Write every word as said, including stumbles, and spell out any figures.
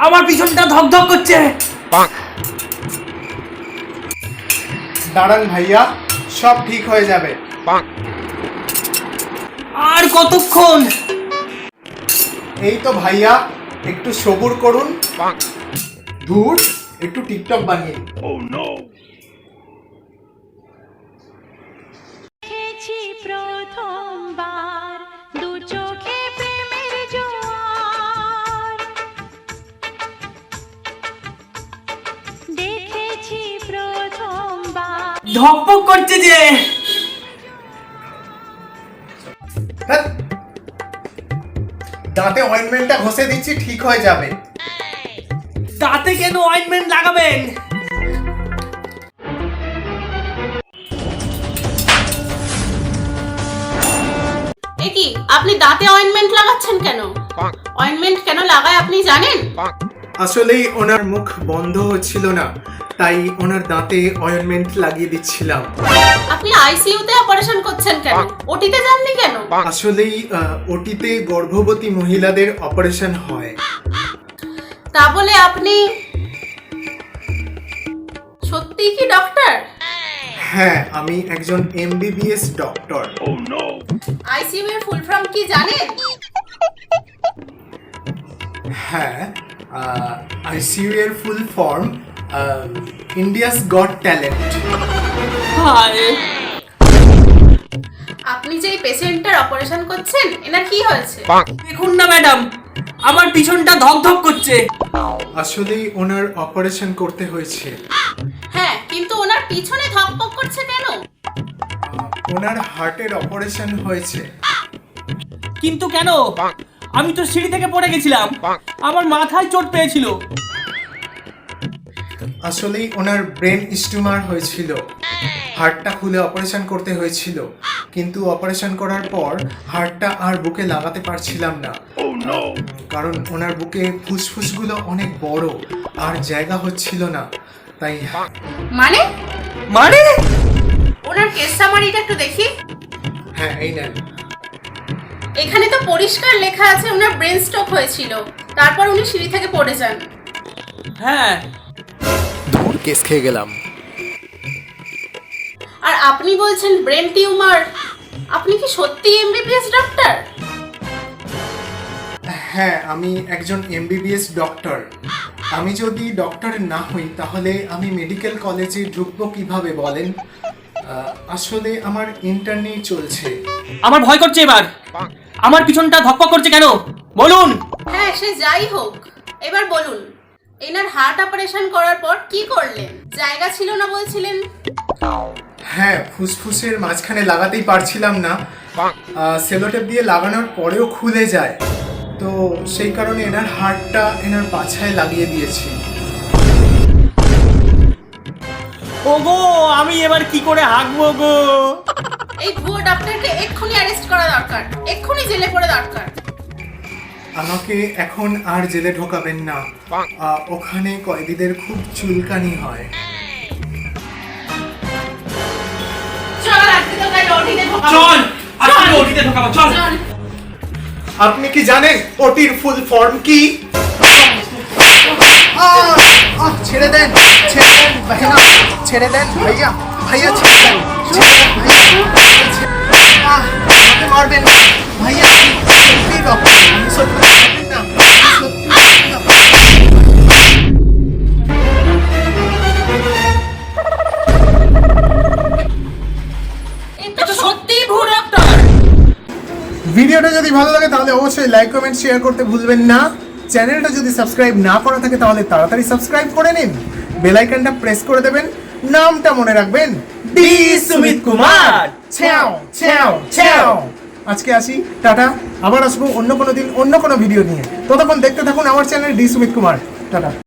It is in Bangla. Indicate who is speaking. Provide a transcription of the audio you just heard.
Speaker 1: আমার পিছনটা ধকধক করছে।
Speaker 2: দাঁড়ান ভাইয়া, সব ঠিক হয়ে যাবে।
Speaker 1: আর কতক্ষণ?
Speaker 2: এই তো ভাইয়া, একটু সবুর করুন। ধুর, একটু টিকটক বানিয়ে।
Speaker 3: প্রথমবার দু চোখে প্রেমের জোয়ার দেখেছি প্রথমবার।
Speaker 1: ধকপক করছে যে।
Speaker 2: ধ্যাৎ, দাঁতে অয়েন্টমেন্টটা ঘষে দিচ্ছি, ঠিক হয়ে যাবে।
Speaker 1: দাঁতে কেন অয়েন্টমেন্ট লাগাবেন?
Speaker 4: এ কি, আপনি দাঁতে অয়েন্টমেন্ট লাগাচ্ছেন কেন? অয়েন্টমেন্ট কেন লাগায় আপনি জানেন?
Speaker 2: আসলেই ওনার মুখ বন্ধ হচ্ছিল না, তাই ওনার দাঁতে অয়েন্টমেন্ট লাগিয়ে দিচ্ছিলাম।
Speaker 4: আপনি আইসিইউতে অপারেশন করছেন কেন? ওটিতে যাননি কেন?
Speaker 2: আসলেই ওটিতে গর্ভবতী মহিলাদের অপারেশন হয়।
Speaker 4: তা বলে আপনি সত্যিই কি ডক্টর?
Speaker 2: হ্যাঁ, আমি একজন এমবিবিএস ডক্টর।
Speaker 4: আইসিইউ এর ফুল ফর্ম কি জানেন?
Speaker 2: হ্যাঁ, আইসিইউ এর full form India's got talent.
Speaker 1: হায়,
Speaker 4: আপনি যে এই পেশেন্টটার অপারেশন করছেন, এনার কি হয়েছে?
Speaker 1: দেখুন না ম্যাডাম, আমার পিছনটা ধকধক করছে।
Speaker 2: আসলেই ওনার অপারেশন করতে হয়েছে।
Speaker 4: হ্যাঁ, কিন্তু ওনার পিছনে ধকপক করছে কেন?
Speaker 2: ওনার হার্টের অপারেশন হয়েছে।
Speaker 1: কিন্তু কেন? আমি তো সিঁড়ি থেকে পড়ে গেছিলাম, আমার মাথায় চোট পেয়েছিল।
Speaker 2: আসলেই ওনার ব্রেন স্টিউমার হয়েছিল, হার্টটা খুলে অপারেশন করতে হয়েছিল, কিন্তু অপারেশন করার পর হার্টটা আর বুকে লাগাতে পারছিলাম না, কারণ ওনার বুকে ফুসফুসগুলো অনেক বড় আর জায়গা হচ্ছিল না, তাই।
Speaker 4: মানে
Speaker 1: মানে
Speaker 4: ওনার কেস সামারিটা একটু দেখি।
Speaker 2: হ্যাঁ, এই নেন।
Speaker 4: এখানে তো পরিষ্কার লেখা আছে ওনার ব্রেন স্ট্রোক হয়েছিল, তারপর উনি সিঁড়ি থেকে পড়ে যান।
Speaker 1: হ্যাঁ,
Speaker 2: ধুর, কেস খেয়ে গেলাম।
Speaker 4: আর আপনি বলছেন ব্রেন টিউমার। আপনি কি সত্যি এমবিবিএস ডক্টর?
Speaker 2: হ্যাঁ, আমি একজন এমবিবিএস ডক্টর। আমি যদি ডক্টর না হই তাহলে আমি মেডিকেল কলেজে ঢুকবো কিভাবে বলেন? আহ, আসলে আমার ইন্টার্নি চলছে।
Speaker 1: আমার ভয় করছে এবার। আমার পিছনটা ধকপক করছে কেন বলুন?
Speaker 4: হ্যাঁ, সে যাই হোক, এবার বলুন, এনার হার্ট অপারেশন করার পর কি করলেন? জায়গা ছিল না বলছিলেন।
Speaker 2: হ্যাঁ, ফুসফুসের মাঝখানে লাগাতেই পারছিলাম না, সেলোটেপ দিয়ে লাগানোর পরেও খুলে যায়, তো সেই কারণে এনার হার্টটা এনার পাছায় লাগিয়ে দিয়েছি।
Speaker 1: ওগো, আমি এবার কি করে হাঁকবো গো?
Speaker 4: এই ভুয়ো ডক্টরকে এক্ষুনি অ্যারেস্ট করা দরকার, এক্ষুনি জেলে পড়ে দরকার।
Speaker 2: আমাকে এখন আর জেলে ঢোকাবেন না, আহ, ওখানে কয়েদিদের খুব চুলকানি হয়।
Speaker 4: চল আজকে তো গাড়ি ওটিতে ঢোকাবো।
Speaker 1: চল, আজকে ওটিতে ঢোকাবো, চল।
Speaker 4: চল।
Speaker 2: আপনি কি জানেন ওটির ফুল ফর্ম কি? আহ, আহ, ছেড়ে দেন, ছেড়ে দেন ভাইয়া, ছেড়ে দেন ভাইয়া, ভাইয়া ছেড়ে দেন, ছেড়ে দেন ভাইয়া, আহ, আমাকে মারবেন না ভাইয়া, সত্যি ডক্টর, আমি সত্যি মারবেন না, সত্যি মারবেন না।
Speaker 4: এটা তো সত্যিই ভুয়ো ডক্টর।
Speaker 2: ভিডিওটা যদি ভালো লাগে তাহলে অবশ্যই লাইক কমেন্ট শেয়ার করতে ভুলবেন না। চ্যানেলটা যদি সাবস্ক্রাইব না করা থাকে তাহলে তাড়াতাড়ি সাবস্ক্রাইব করে নিন, বেল আইকনটা প্রেস করে দেবেন, নামটা মনে রাখবেন, ডি সুমিত কুমার। ছ্যাও ছ্যাও ছ্যাও। আজকে আসি, টাটা। আবার আসবো অন্য কোনো দিন অন্য কোনো ভিডিও নিয়ে। ততক্ষণ দেখতে থাকুন আমার channel D Sumit Kumar. Tata.